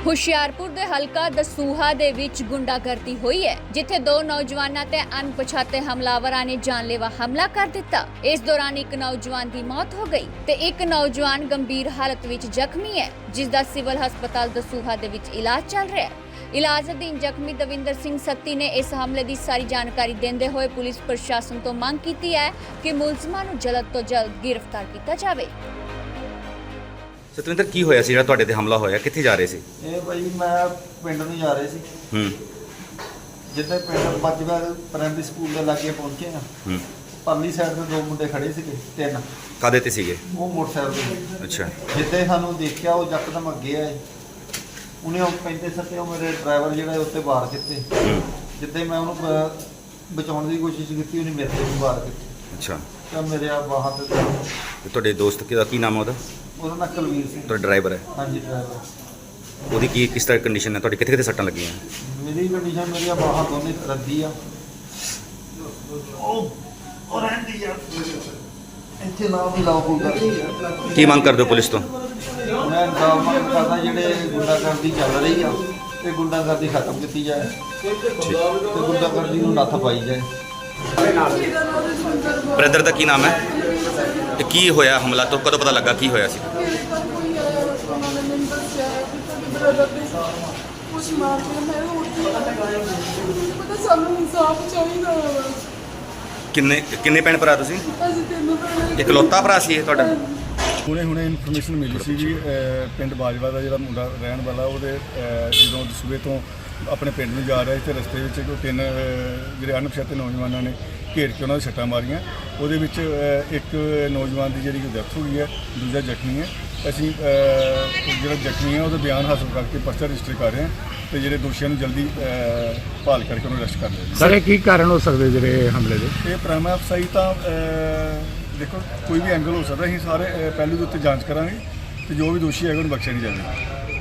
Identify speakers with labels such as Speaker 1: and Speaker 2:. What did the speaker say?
Speaker 1: ਹੁਸ਼ਿਆਰਪੁਰ ਦੇ ਹਲਕਾ ਦਸੂਹਾ ਦੇ ਵਿੱਚ ਗੁੰਡਾਗਰਦੀ ਹੋਈ ਹੈ, ਜਿੱਥੇ ਦੋ ਨੌਜਵਾਨਾਂ ਤੇ ਅਣਪਛਾਤੇ ਹਮਲਾਵਰਾਂ ਨੇ ਜਾਨਲੇਵਾ ਹਮਲਾ ਕਰ ਦਿੱਤਾ। ਇਸ ਦੌਰਾਨ ਇੱਕ ਨੌਜਵਾਨ ਦੀ ਮੌਤ ਹੋ ਗਈ ਤੇ ਇੱਕ ਨੌਜਵਾਨ ਗੰਭੀਰ ਹਾਲਤ ਵਿੱਚ ਜ਼ਖਮੀ ਹੈ, ਜਿਸ ਦਾ ਸਿਵਲ ਹਸਪਤਾਲ ਦਸੂਹਾ ਦੇ ਵਿੱਚ ਇਲਾਜ ਚੱਲ ਰਿਹਾ ਹੈ। ਇਲਾਜ ਅਧੀਨ ਜ਼ਖਮੀ ਦਵਿੰਦਰ ਸਿੰਘ ਸੱਤੀ ਨੇ ਇਸ ਹਮਲੇ ਦੀ ਸਾਰੀ ਜਾਣਕਾਰੀ ਦਿੰਦੇ ਹੋਏ ਪੁਲਿਸ ਪ੍ਰਸ਼ਾਸਨ ਤੋਂ ਮੰਗ ਕੀਤੀ ਹੈ ਕਿ ਮੁਲਜ਼ਮਾਂ ਨੂੰ ਜਲਦ ਤੋਂ ਜਲਦ ਗ੍ਰਿਫਤਾਰ ਕੀਤਾ ਜਾਵੇ।
Speaker 2: ਸਤਵਿੰਦਰ, ਕੀ ਹੋਇਆ ਸੀ ਜਿਹੜਾ ਤੁਹਾਡੇ ਤੇ ਹਮਲਾ ਹੋਇਆ? ਕਿੱਥੇ ਜਾ ਰਹੇ ਸੀ?
Speaker 3: ਇਹ ਭਾਈ ਮੈਂ ਪਿੰਡ ਨੂੰ ਜਾ ਰਹੇ ਸੀ। ਜਿੱਥੇ ਪਿੰਡ ਬੱਜਵਾ ਪ੍ਰਾਇਮਰੀ ਸਕੂਲ ਦੇ ਲਾਗੇ ਪਹੁੰਚੇ ਆ। ਪਰਲੀ ਸਾਈਡ ਤੇ ਦੋ ਮੁੰਡੇ ਖੜੇ ਸੀਗੇ, ਤਿੰਨ।
Speaker 2: ਕਾਹਦੇ ਤੇ ਸੀਗੇ?
Speaker 3: ਉਹ ਮੋਟਰਸਾਈਕਲ ਤੇ।
Speaker 2: ਅੱਛਾ।
Speaker 3: ਜਿੱਥੇ ਸਾਨੂੰ ਦੇਖਿਆ ਉਹ ਯਕਦਮ ਅੱਗੇ ਆਏ। ਉਹਨੇ ਉਹ ਪੈਂਦੇ ਸੱਤੇ ਉਹ ਮੇਰੇ ਡਰਾਈਵਰ ਜਿਹੜਾ ਉੱਤੇ ਵਾਰ ਕੀਤੇ। ਜਿੱਥੇ ਮੈਂ ਉਹਨੂੰ ਬਚਾਉਣ ਦੀ ਕੋਸ਼ਿਸ਼ ਕੀਤੀ, ਉਹਨੇ ਮੇਰੇ ਤੇ ਵੀ ਵਾਰ ਕੀਤੇ।
Speaker 2: ਅੱਛਾ।
Speaker 3: ਤਾਂ ਮੇਰੇ ਆ ਬਾਹਾਂ ਤੇ।
Speaker 2: ਤੁਹਾਡੇ ਦੋਸਤ ਦਾ ਕੀ ਨਾਮ ਹੈ?
Speaker 3: ਉਹਦਾ ਨਾਂ ਕੁਲਵੀਰ ਸਿੰਘ।
Speaker 2: ਤੁਹਾਡਾ ਡਰਾਈਵਰ ਹੈ?
Speaker 3: ਹਾਂਜੀ, ਡਰਾਈਵਰ।
Speaker 2: ਉਹਦੀ ਕਿਸ ਤਰ੍ਹਾਂ ਕੰਡੀਸ਼ਨ ਹੈ? ਤੁਹਾਡੇ ਕਿੱਥੇ ਸੱਟਾਂ ਲੱਗੀਆਂ?
Speaker 3: ਮੇਰੀ ਕੰਡੀਸ਼ਨ, ਮੇਰੀਆਂ ਬਾਹਾਂ ਦੋਨੇ ਰੱਦੀ ਆ। ਉਹ ਰਹਿੰਦੀ ਆ ਇੱਥੇ ਨਾ ਵੀ ਲਾਓ ਕੋਈ।
Speaker 2: ਕੀ ਮੰਗ ਕਰਦੇ ਹੋ ਪੁਲਿਸ ਤੋਂ?
Speaker 3: ਮੈਂ ਇਨਸਾਫ ਮੰਗ ਕਰਦਾ, ਜਿਹੜੇ ਗੁੰਡਾਗਰਦੀ ਚੱਲ ਰਹੀ ਆ ਇਹ ਗੁੰਡਾਗਰਦੀ ਖਤਮ ਕੀਤੀ ਜਾਏ ਤੇ ਗੁੰਡਾਗਰਦੀ ਨੂੰ ਨੱਥ ਪਾਈ ਜਾਏ।
Speaker 2: ਬ੍ਰਦਰ ਦਾ ਕੀ ਨਾਮ ਹੈ? ਤੇ ਕੀ ਹੋਇਆ ਹਮਲਾ? ਤੋਂ ਕਦੋਂ ਪਤਾ ਲੱਗਾ ਕੀ ਹੋਇਆ ਸੀ? ਕਿੰਨੇ ਭੈਣ ਭਰਾ ਤੁਸੀਂ? ਇਕਲੌਤਾ ਭਰਾ ਸੀ ਇਹ ਤੁਹਾਡਾ?
Speaker 4: ਹੁਣੇ ਇਨਫੋਰਮੇਸ਼ਨ ਮਿਲੀ ਸੀ ਜੀ। ਪਿੰਡ ਬਾਜਵਾ ਦਾ ਜਿਹੜਾ ਮੁੰਡਾ ਰਹਿਣ ਵਾਲਾ, ਉਹਦੇ ਜਦੋਂ ਦਸੂਹੇ ਤੋਂ ਆਪਣੇ ਪਿੰਡ ਨੂੰ ਜਾ ਰਿਹਾ ਸੀ ਤੇ ਰਸਤੇ ਵਿੱਚ ਤਿੰਨ ਜਿਹੜੇ ਅਣਪਛਾਤੇ ਨੌਜਵਾਨਾਂ ਨੇ ਘੇਰ ਕੇ ਉਹਨਾਂ ਦੇ ਸੱਟਾਂ ਮਾਰੀਆਂ। ਉਹਦੇ ਵਿੱਚ ਇੱਕ ਨੌਜਵਾਨ ਦੀ ਜਿਹੜੀ ਡੈਥ ਹੋ ਗਈ ਹੈ, ਦੂਜਾ ਜ਼ਖਮੀ ਹੈ। ਅਸੀਂ ਜਿਹੜਾ ਜ਼ਖਮੀ ਹੈ ਉਹਦਾ ਬਿਆਨ ਹਾਸਲ ਕਰਕੇ ਪਰਚਾ ਰਜਿਸਟਰ ਕਰ ਰਹੇ ਹਾਂ ਤੇ ਜਿਹੜੇ ਦੋਸ਼ੀਆਂ ਨੂੰ ਜਲਦੀ ਭਾਲ ਕਰਕੇ ਉਹਨੂੰ ਅਰੈਸਟ ਕਰ ਲਿਆ।
Speaker 5: ਸਰ, ਇਹ ਕੀ ਕਾਰਨ ਹੋ ਸਕਦੇ ਜਿਹੜੇ ਹਮਲੇ ਦੇ?
Speaker 4: ਇਹ ਪ੍ਰਾਈਮ ਅਫਸਾਈ ਤਾਂ ਦੇਖੋ ਕੋਈ ਵੀ ਐਂਗਲ ਹੋ ਸਕਦਾ। ਅਸੀਂ ਸਾਰੇ ਪਹਿਲੂ ਦੇ ਉੱਤੇ ਜਾਂਚ ਕਰਾਂਗੇ ਤੇ ਜੋ ਵੀ ਦੋਸ਼ੀ ਹੈਗਾ ਉਹਨੂੰ ਬਖਸ਼ਿਆ ਨਹੀਂ ਜਾਵੇਗਾ।